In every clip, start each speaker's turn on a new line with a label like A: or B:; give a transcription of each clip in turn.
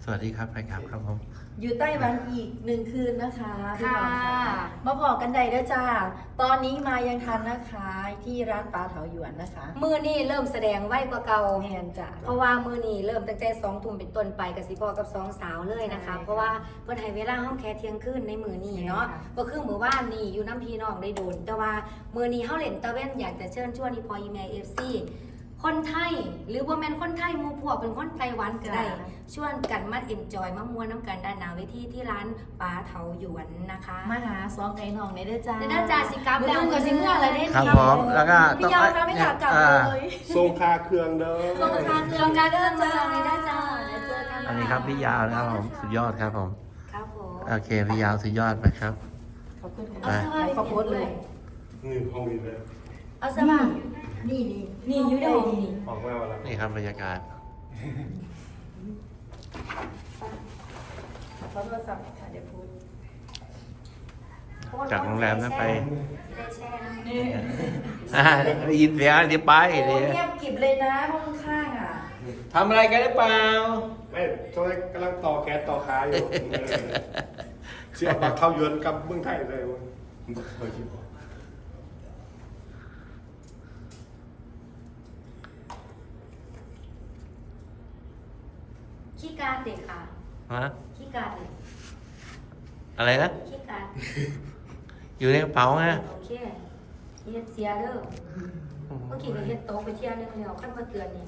A: สวัสดีครับไปครับครับผม
B: อยู่ไต้หวันอีก1 คืนนะคะพี่บอล
C: ค่ะ
B: มาพอกันใดด้วยจ้าตอนนี้มายังทันนะคะที่ร้านปลาเถาหยวนนะคะ
C: มือนี่เริ่มแสดงไวกว่าเก่า
B: แมนจ้า
C: เพราะว่ามือนี่เริ่มตั้งแต่2 ทุ่มเป็นต้นไปกับสิพอกับ2 สาวเลยนะคะ
B: ใช่ค่ะ
C: เพราะว่าเพิ่นให้เวลาห้องแค่เที่ยงคืนในมือนี่เนาะ
B: ใช่ค่ะ
C: ก็คือมือว่านนี่อยู่น้ำพี่น้องได้โดน แต่ว่ามือนี่เฮาเล่นตะเว้นอยากจะเชิญชวนอีพออีเมล FC คนไทยหรือบ่แม่นคนไทยหมู่พวกเป็นคนไต้หวันก็ได้ชวนกันมาเอ็นจอยมาม่วนน้ำกันด้านหน้าเวทีที่ร้านปลาเถาหยวนนะคะ
B: มาหาซองไก่หนองในเด้อจ้า
C: เด้อจ้าสิกลับแล้ว
B: เมื่อก็สิเมื่ออะไรเด้
A: ครับผมแล้วก็
B: พี่ยาวคะไม่อยากกลับเลย
D: ทรงคาเครื่องเด้อ
C: ส่งทางเครื่องการเดินมาเลยได้จ้าเดี๋ยวเจอกัน
A: อันนี้ครับพี่ยาวนะครับผมสุดยอดครับผม
C: ครับผม
A: โอเคพี่ยาวสุดยอดไปครับ
B: ขอบคุณ
A: ไป
B: ค่ะขอบคุณเลย
D: นี่ห้องนี้เลย
C: เอาซะบ้าง
B: นี่
C: นี่อยู่ในห้องนี่
D: ออกมาแล้ว
A: นี่ครับบรรยากาศ
B: ขอโทรศัพท์ค่ะเดี๋ยวพูด
A: จากโรงแรมนั้นไป
C: ได้แช่นะ
B: นี่
A: ได้ยินเสียงเดี๋ยวไป
B: โอ้
A: เดี๋ยว
B: เงียบกริบเลยนะห้องข้างอ่ะ
A: ทำอะไรกันหรือเปล่า
D: ไม่ช่วงนี้กำลังต่อแก๊สต่อค้าอยู่เสียบักเท่าเยือนกับเมืองไทยเลยเว้ยเคยคิดว่า
C: ขี้การเด็กค่ะ
A: ฮะ
C: ขี้การเด็ก
A: อะไรนะ
C: ขี้การ
A: อยู่ในกระเป๋าไง
C: โอเคเฮ็ดเสียเด้อเมื่อกี้ก็เฮ็ดโต๊ะไปเที่ยวนึงแล้วขั้นมาเตือนนี่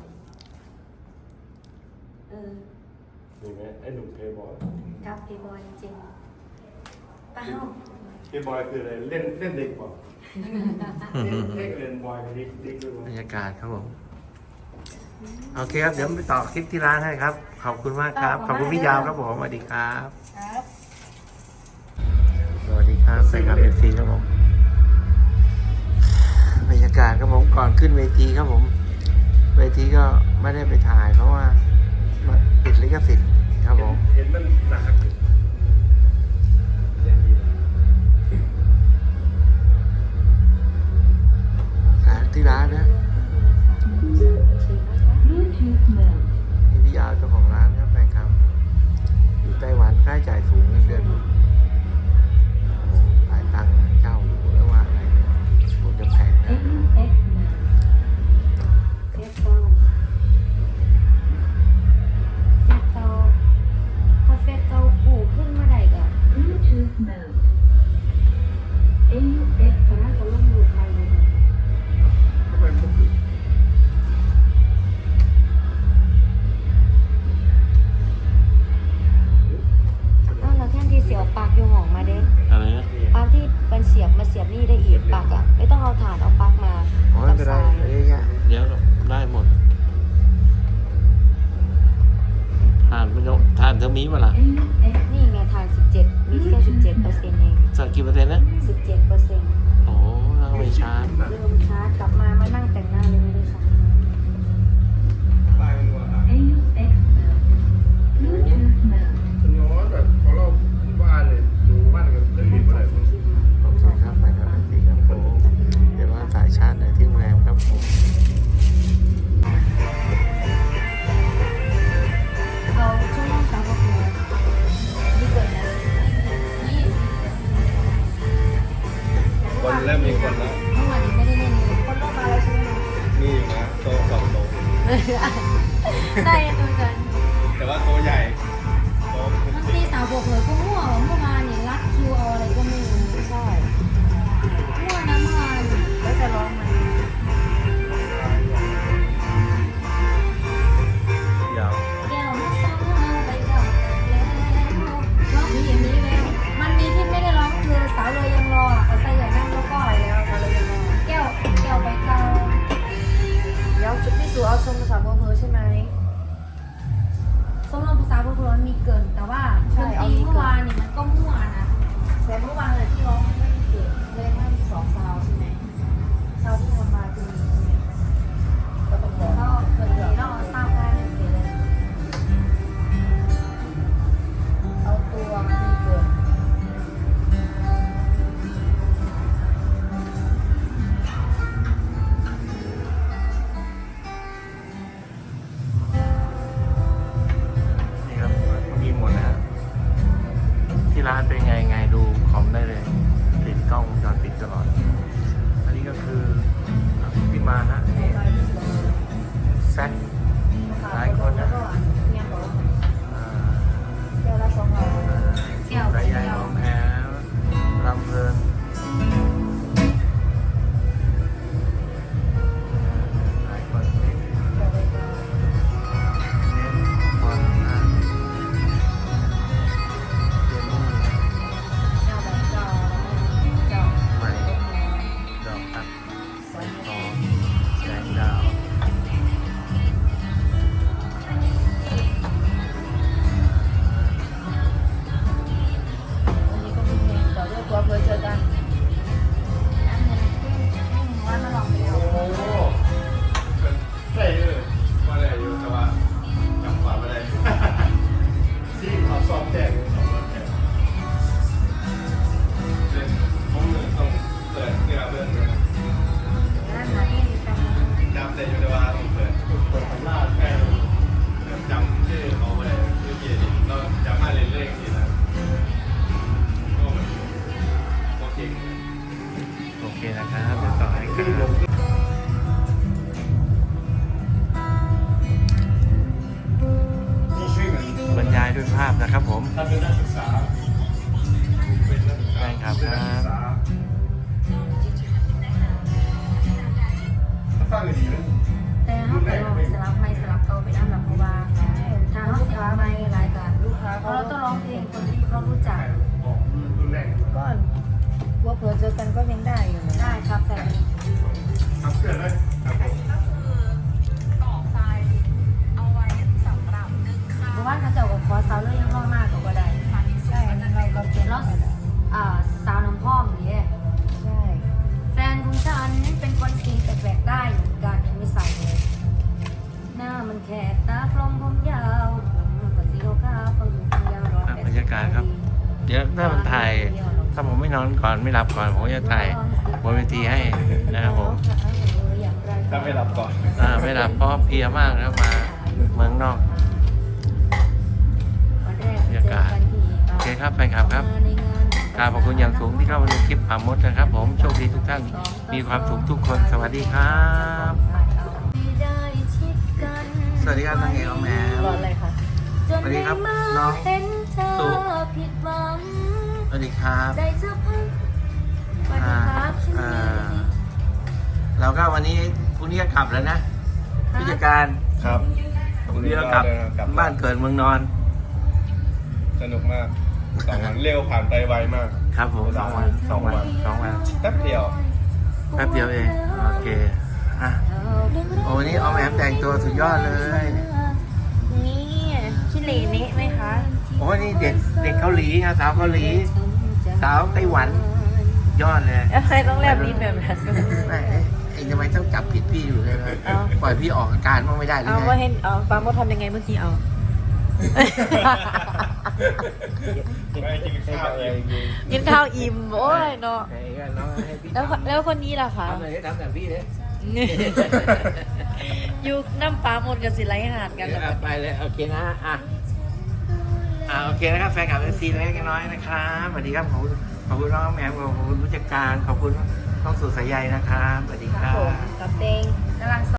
D: นี่ไงไอ้หนุ่มเพย์บอย
C: ครับพี่บอยจริงๆป้าเฮา
D: เพย์บอยคืออะไรเล่นเด็กกว่าเล่นบอยกับเด็กด้วย
A: บรรยากาศครับผมโอเคครับเดี๋ยวไปต่อคลิปที่ร้านให้ครับ ขอบคุณมากครับ ขอบคุณพี่ยาวครับผมสวัสดีครับ
B: ครับ
A: สวัสดีครับใส่ครับเอฟซีครับผมบรรยากาศครับผมก่อนขึ้นเวทีครับผม เวทีก็ไม่ได้ไปถ่าย เพราะว่าติดลิขสิทธิ์ครับผม
D: เห็นมันหนักอยู่
A: ร้านที่ร้านนะนี่พี่ยาวเจ้าของร้านครับแฟนครับ อยู่ไต้หวันค่าใช้จ่ายสูงเงินเดือนหลายตังค์เช่าอยู่แล้วว่าอะไรคงจะแพงนะ
C: เฟสเตอร์เฟสเตอร์พอเฟสเตอร์ปูขึ้นเมื่อไหร่ก็
E: Bluetooth mode. AUX
C: ตอนนั้นก็ลงรูปไปเลย
D: ทำไมพวกคือ
C: แล้วแท่นที่เสียวปากอยู่ห้องมาเด้
A: อะไรนะ
C: ปลั๊กที่เป็นเสียบมาเสียบนี่ได้อีกปลั๊กอ่ะไม่ต้องเอาถ่านเอาปลั๊กมา
A: โอ้ยไม่เป็นไร
C: สาย
A: เยอะแยะเดี๋ยวได้หมดทานไม่ต้องทานเท่านี้มาล่ะ
E: AUX
C: นี่ไงถ่าน17มีแค่17%เอง
A: สักกี่เปอร์เซ็นต์นะ
C: 17%
A: โอ้เราไม่ชาร์จ
C: เริ่มชาร์จกลับมานั่งแต่งหน้าเลยไม่ได้ชาร์จ
D: ลายมันว่า
E: AUX mode. Bluetooth mode.
D: คุณย้อนแบบเขาเล่าว่าเลยดูว่ากันเรื่องนี้เมื่อไหร่
A: ขอบคุณครับไปครับพี่ครับผมเดี๋ยวว่าสายชาร์จในที่โรงแรมครับผม
C: เอาช่วงสาวพวกนี้นี่เกินนะนี่
D: คนเริ่มมีคนแล้ว
C: เมื่อวานนี้ไม่ได้เล่นเลยคนลงมาแล้วใช่ไหม
D: นี่อยู่นะโตะ2 โต๊ะ
C: ได้ตัวกัน
D: แต่ว่าโต๊ะใหญ่โต๊ะเป็น
C: บาง
D: สิ
C: ที
D: บ
C: สาวบอกเลยก็มั่วเมื่อวานเนี่ยรัดคิวเอาอะไรก็ไม่รู้ใช่มั่วนะเมื่อวาน
B: แล้วจะร้องไหม
D: ยาว
C: แก้วไม่ซ้ำไปกับแล้วร้องมีอย่างนี้แล้วมันมีที่ไม่ได้ร้องคือสาวเลยยังรอเอาใส่ใหญ่นั่งแล้วก็
B: ไปแล้วค่ะเลยยังไง
C: แก้วไปเกา
B: เดี๋ยวชุดพี่สูเอาชมภาษาพวกเธอใช่ไหม
C: สมรมภาษาพวกเรามีเกินแต่ว่าดนตรีเมื่อวานนี่มันก็มั่วนะ
B: แต่เมื่อวานเลยที่ร้องไม่ได้เกิดเลยว่ามี2 ซาวใช่ไหมซาวที่ทำมาคือมีใช่ไหมก็ต้องร้อง
C: ก็เกิดนี้เราทราบได้เลย
B: เอาตัวมีเกิด
A: ด้วยภาพนะครับผม
D: ถ้าเป็นนักศึกษาเป็นนักศึกษา
A: ใช่ครับ
D: เป็นนักศึกษาถ้าฟังดีๆนะ
C: แต่เขาไปลองสลับไม่สลับเก่าไปนั่นแหละเพราะว่าถ้าเขาเสียไม่รายการ
B: ลูกค้า
C: เพราะเราต้องร้องเพลงคนที่เขารู้จัก
D: บอกรุ่นแรก
B: ก็ว่าเผื่อเจอกันก็ยังได้อยู่นะ
C: ได้ครับแฟน
D: ทำเพื่อนเลยครับผม
C: เพราะว่าเขาเจ้ากับคอสาวเลยยังร้องมากกว่าได้
B: ใช่เราก็เก็บ
C: แล้ว
B: ไปแล้ว
C: สาวน้ำพองนี่
B: ใช่
C: แฟนของฉันเป็นคนสีแปลกๆได้เหมือนกันไม่ใส่เลยหน้ามันแขกตากลมผมยาวผมก็สีขาวๆคนผมยาวร้อย
A: บรรยากาศครับ เดี๋ยวถ้ามันถ่ายถ้าผมไม่นอนก่อนไม่หลับก่อนผมก็จะถ่ายบนเวทีให้นะครับผม
D: ถ้าไม่หลับก่อน
A: ไม่หลับเพราะเพลียมากนะครับมาเมืองนอก บรรยากาศโอเคครับแฟนคลับครับขอบคุณอย่างสูงที่เข้ามาดูคลิปป่ามดนะครับผมโชคดีทุกท่านมีความสุขทุกคนสวัสดีครับ สวัสดีครับนางเอกน้องแหม่
B: รออะไรคะ
A: สวัสดีครับน้อง
C: เห็นเธอ
A: สุ
C: ผิดหวัง
A: สวัสดีครับ
C: ใจจะพังสวัสดีครับฉันมี
A: เราก็วันนี้พรุ่งนี้ก็กลับแล้วนะผู้จัดการ
D: ครับ
A: พรุ่งนี้ก็กลับบ้านเกิดเมืองนอน
D: สนุกมาก2 วันเร็วผ่านไปไวมาก
A: ครับผม2 วัน
D: แป๊บเดียว
A: แป๊บเดียวเองโอเคอ่ะโอ้วันนี้เอาแหมแต่งตัวสุดยอดเลย
B: นี่ขี้เหร่เนะไหมคะ
A: โอ้นี่เด็กเกาหลีนะสาวเกาหลี สาวไต้หวันยอดเลย
B: ทำไมต้องแลบลิ้นแบบนั้น
A: แม่เองทำไมต้องจับผิดพี่อยู่เลยนะ
B: เอ้า
A: ปล่อยพี่ออกอาการบ้างไม่ได้หรือ
B: เอา
A: ไง
B: ว่าเห็นเอาปาโมดทำยังไงเมื่อกี้เอา
D: ไม่กินข้าวเอง
B: กินข้าวอิ่มโอ้ยเนาะ
A: ไหนก็น้องให้พี่
B: แล้วคนนี้ล่ะคะ
A: ทำเลยทำแบบพี่เลย
B: อยู่น้ำปลาหมดกับสิไรหาดกัน
A: ไปเลยโอเคนะโอเคนะครับแฟนคลับซีเล็กน้อยนะครับสวัสดีครับขอบคุณน้องแหม่มขอบคุณผู้จัดการขอบคุณน้องสุดสายใยนะครับสวัสดีค
B: ค
A: รั
B: รับผม
A: บ
B: กับเต็ง
C: กำลัง